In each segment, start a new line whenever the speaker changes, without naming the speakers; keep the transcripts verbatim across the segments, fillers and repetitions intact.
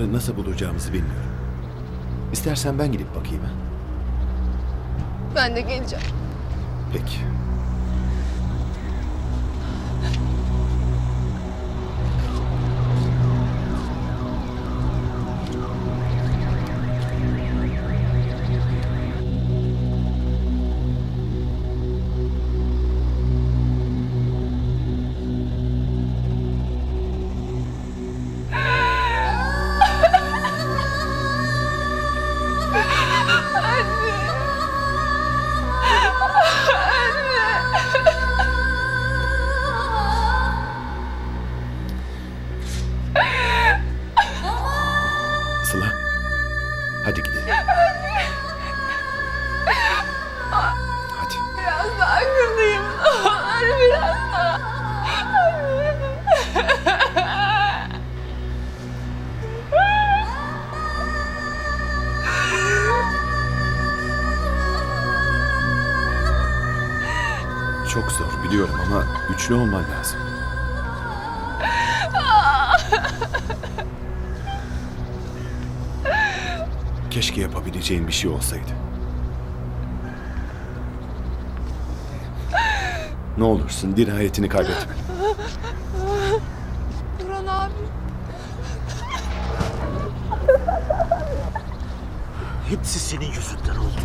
Yarın nasıl bulacağımızı bilmiyorum. İstersen ben gidip bakayım ha.
Ben de geleceğim.
Peki. Sıla. Hadi gidelim. Hadi.
Biraz daha kırılayım. Olur biraz daha.
Çok zor biliyorum ama güçlü olman lazım. Keşke yapabileceğin bir şey olsaydı. Ne olursun dirayetini kaybetme.
Burhan abi.
Hepsi senin yüzünden oldu.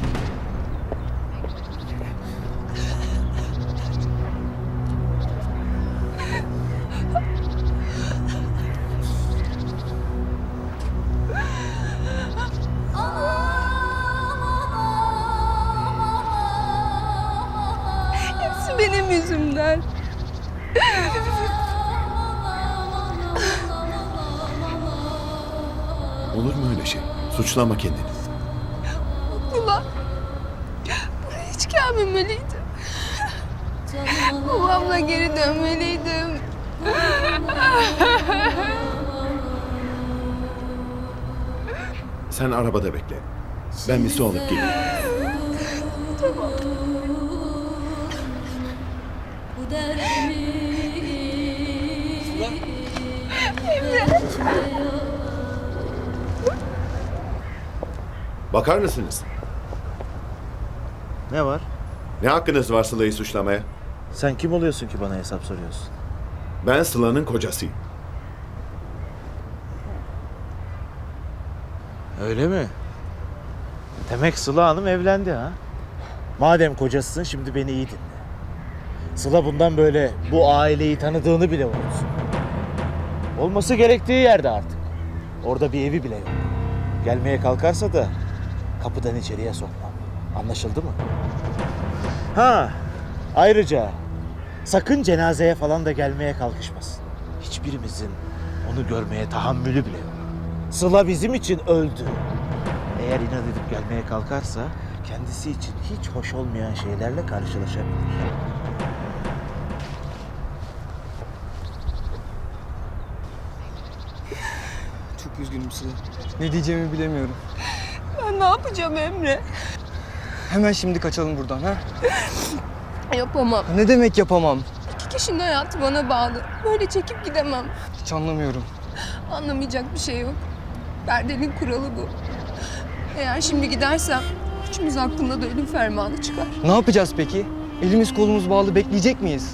Hepsi benim yüzümden.
Olur mu öyle şey? Suçlama kendini.
Ulan. Buraya hiç gelmemeliydim. Babamla geri dönmeliydim.
Sen arabada bekle. Ben bir su alıp geleyim. Bakar mısınız?
Ne var?
Ne hakkınız var Sıla'yı suçlamaya?
Sen kim oluyorsun ki bana hesap soruyorsun?
Ben Sıla'nın kocasıyım.
Öyle mi? Demek Sıla Hanım evlendi ha? Madem kocasısın şimdi beni iyi dinle. Sıla bundan böyle bu aileyi tanıdığını bile unutsun. Olması gerektiği yerde artık. Orada bir evi bile yok. Gelmeye kalkarsa da kapıdan içeriye sokmam. Anlaşıldı mı? Ha, ayrıca sakın cenazeye falan da gelmeye kalkışmasın. Hiçbirimizin onu görmeye tahammülü bile yok. Sıla bizim için öldü. Eğer inat edip gelmeye kalkarsa kendisi için hiç hoş olmayan şeylerle karşılaşabilir.
Çok üzgünüm Sıla. Ne diyeceğimi bilemiyorum.
Ben ne yapacağım Emre?
Hemen şimdi kaçalım buradan ha?
Yapamam.
Ne demek yapamam?
İki kişinin hayatı bana bağlı. Böyle çekip gidemem.
Hiç anlamıyorum.
Anlamayacak bir şey yok. Perdenin kuralı bu. Eğer şimdi gidersem üçümüz hakkında da ölüm fermanı çıkar.
Ne yapacağız peki? Elimiz kolumuz bağlı bekleyecek miyiz?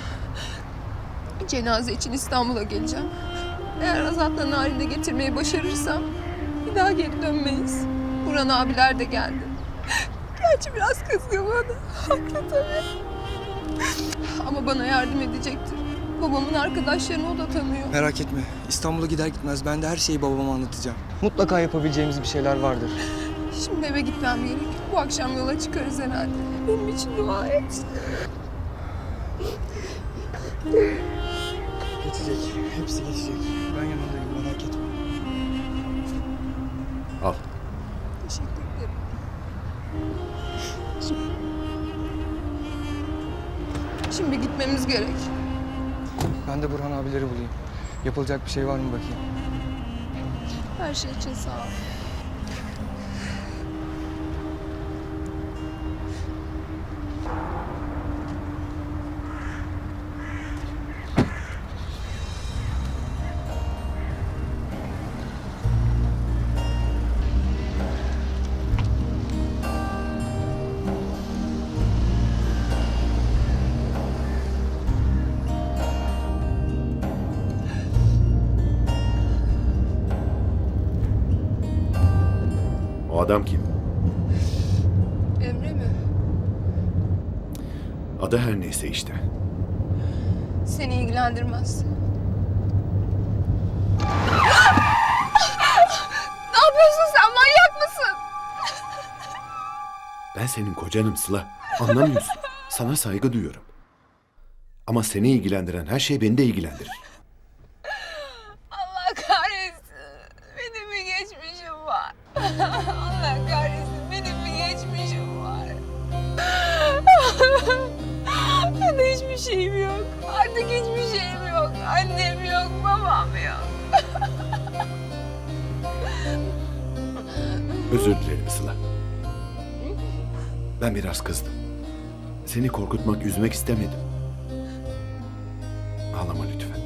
Cenaze için İstanbul'a geleceğim. Eğer Azat'la Narin'i getirmeyi başarırsam bir daha geri dönmeyiz. Burhan abiler de geldi. Gerçi biraz kızgın bana. Haklı tabii. Ama bana yardım edecektir. Babamın arkadaşlarını o da tanıyor.
Merak etme. İstanbul'a gider gitmez ben de her şeyi babama anlatacağım. Mutlaka yapabileceğimiz bir şeyler vardır.
Şimdi eve gitmem gerek. Bu akşam yola çıkarız herhalde. Benim için dua et.
Geçecek. Hepsi geçecek. Ben yanındayım merak etme.
Al.
Teşekkür ederim. Şimdi gitmemiz gerek.
Ben de Burhan abileri bulayım. Yapılacak bir şey var mı bakayım.
Her şey için sağ ol.
adam kim?
Emre mi?
Adı her neyse işte.
Seni ilgilendirmez. Ne yapıyorsun sen? Manyak mısın?
Ben senin kocanım Sıla. Anlamıyorsun. Sana saygı duyuyorum. Ama seni ilgilendiren her şey beni de ilgilendirir.
Allah kahretsin. Benim bir geçmişim var. Allah kahretsin. Benim bir geçmişim var. Ben de hiçbir şeyim yok. Artık hiçbir şeyim yok. Annem yok, babam yok.
Özür dilerim Sıla. Ben biraz kızdım. Seni korkutmak, üzmek istemedim. Ağlama lütfen.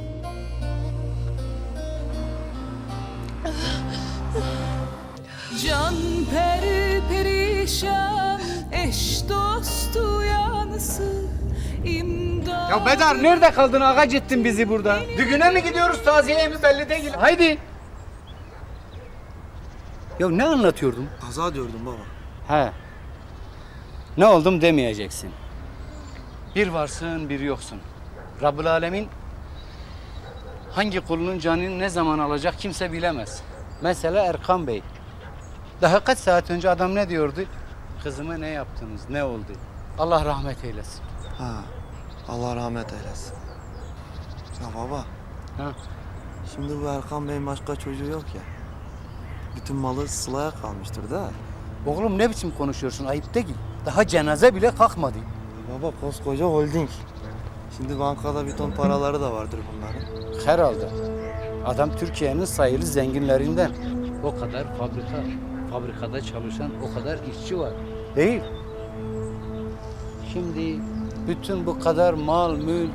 Can peri perişan, eş dostu yanısı, imdat.
Ya Bedar nerede kaldın? Ağaç ettin bizi burada. Düğüne mi gidiyoruz, taziyeye mi belli değil. Haydi. Ya ne anlatıyordum?
Kaza diyordum baba.
He. Ne oldum demeyeceksin. Bir varsın, bir yoksun. Rabbül Alemin hangi kulunun canını ne zaman alacak kimse bilemez. Mesela Erkan Bey. Daha kaç saat önce adam ne diyordu? Kızıma ne yaptınız, ne oldu? Allah rahmet eylesin.
Ha. Allah rahmet eylesin. Ya baba.
Ha.
Şimdi bu Erkan Bey'in başka çocuğu yok ya. Bütün malı Sıla'ya kalmıştır da.
Oğlum ne biçim konuşuyorsun? Ayıp değil. Daha cenaze bile kalkmadı.
Baba koskoca holding. Şimdi bankada bir ton paraları da vardır bunların.
Herhalde. Adam Türkiye'nin sayılı zenginlerinden. O kadar fabrika, fabrikada çalışan o kadar işçi var. Değil. Şimdi bütün bu kadar mal, mülk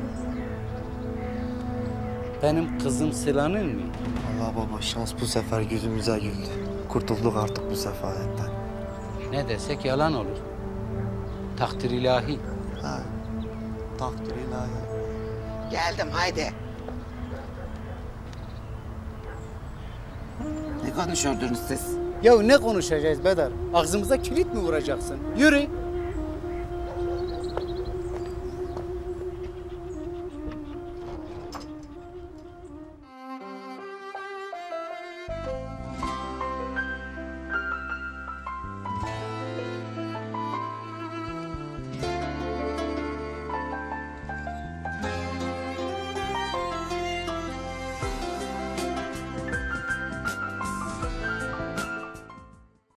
benim kızım Sıla'nın mı?
Allah baba şans bu sefer yüzümüze güldü. Kurtulduk artık bu sefaletten.
Ne desek yalan olur. Takdir ilahi.
Ha. Takdir ilahi.
Geldim haydi. Ne konuşuyordunuz siz?
Ya ne konuşacağız Bedar? Ağzımıza kilit mi vuracaksın? Yürü.